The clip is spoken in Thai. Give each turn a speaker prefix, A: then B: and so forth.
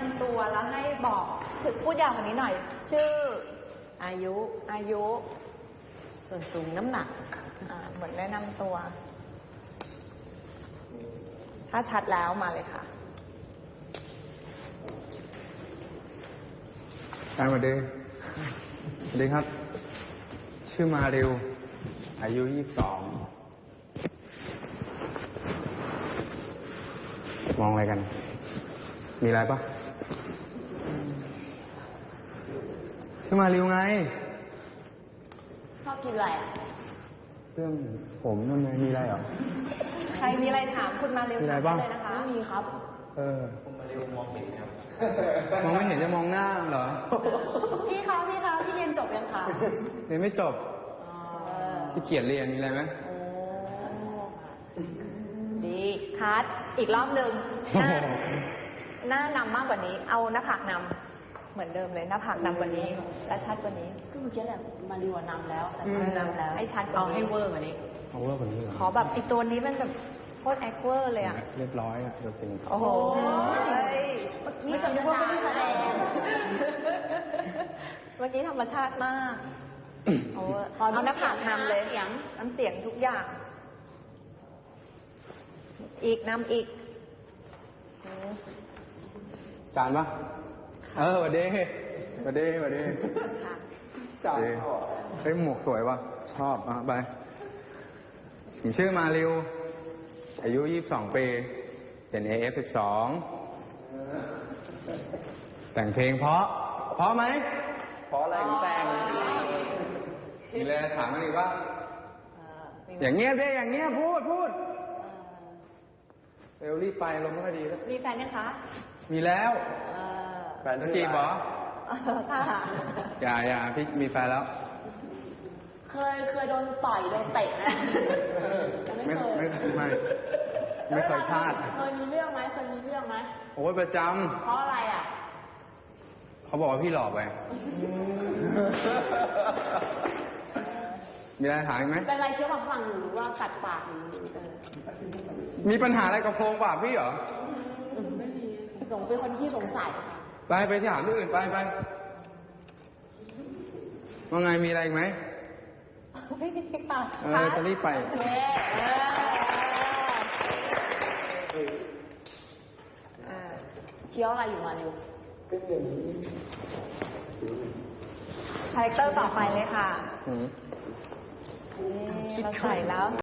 A: ำตัวแล้วให้บอกถึงพูดยาวกว่านี้หน่อย ชื่ออายุ
B: ส่วนสูงน้ำหนัก
A: เหมือนแนะนำตัว ถ้าชัดแล้วมาเลยค่ะ
C: สวัสดีครับ ชื่อมาริวอายุ22มองอะไรกัน มีอะไรปะชื่อมาริวไง
A: ชอบกินอะไร
C: เรื่องผมทำไมมีอะไรเหรอ
A: ใครมีอะไรถามคุณมาเร็ว
C: มีอะไรบ้าง
A: เลยนะคะไม่มีครับ
C: คุณมาริวมองเห็นครับมองไม่เห็นจะมองหน้าเหรอ
A: พี่เรียนจบยังคะ
C: เรียนไม่จบพี่เกียรเรียนมีอะไรไหม
A: ดีคัดอีกรอบหนึ่งหน้านำมากกว่านี้เอาหน้าผากนำเหมือนเดิมเลยหน้าผากนำกว่านี้และชัดกว่านี้
B: คือเมื่อกี้แหละมาดีกว่านำแล้วแต่นำแล้ว
A: ให้ชัด
B: เอาให้เวอร์กว่านี้
C: เอาเวอร์กว่านี้เหรอ
A: ขอแบบไอตัวนี้มันแบบโคตรแอคเวอร์เลยอ่ะ
C: เรียบร้อยอ่ะจริง
A: โอ้โห
B: เมื่อกี้จะนึกว่าไม่ได้แสดง
A: เมื่อกี้ธรรมชาติมากเอาหน้าผากนำเลยน้ำเสียงทุกอย่างอีกนำอีก
C: จานปะสวัสดีจานเฮ้ยหมวกสวยปะชอบไปผมชื่อมาริวอายุ22 ปีเป็น AF12 แต่งเพลงเพราะไหมเพราะอะไรถึงแต่งมีอะไรถามมาอีกว่าอย่างเงี้ยดิอย่างเงี้ยพูดเร็วรีบไปลงไม่ค่อยดีแล้ว
A: มีแฟนยังคะ
C: มีแล้วแฟนต้องจีบเหรอ
A: ค่ะ
C: อย่าพี่มีแฟนแล้ว
B: เคยโดนต่อยโดนเตะนะ
C: ไม่เคยพลาด
B: เคยมีเรื่องไหม
C: โอ้ยประจ
B: ำเพราะอะไรอ่ะ
C: เขาบอกว่าพี่หลอกไปมีอะไรถามไหม
B: เป็นอะไรเกี่ยวกับฝั่งหรือว่ากัดปาก
C: มีปัญหาอะไรกับโพรงปากพี่เหรอ
B: ไม่มีเป็นคนที่สงสัย
C: ไปที่ถามที่อื่นไปว่าไงมีอะไรอีกไหม
A: ไม่มีค่ะ
C: จะรีบไป
B: เคี้ยวอะไรอยู่มาเร็ว
A: คาแรคเตอร์ต่อไปเลยค่ะเราใส่แล้ว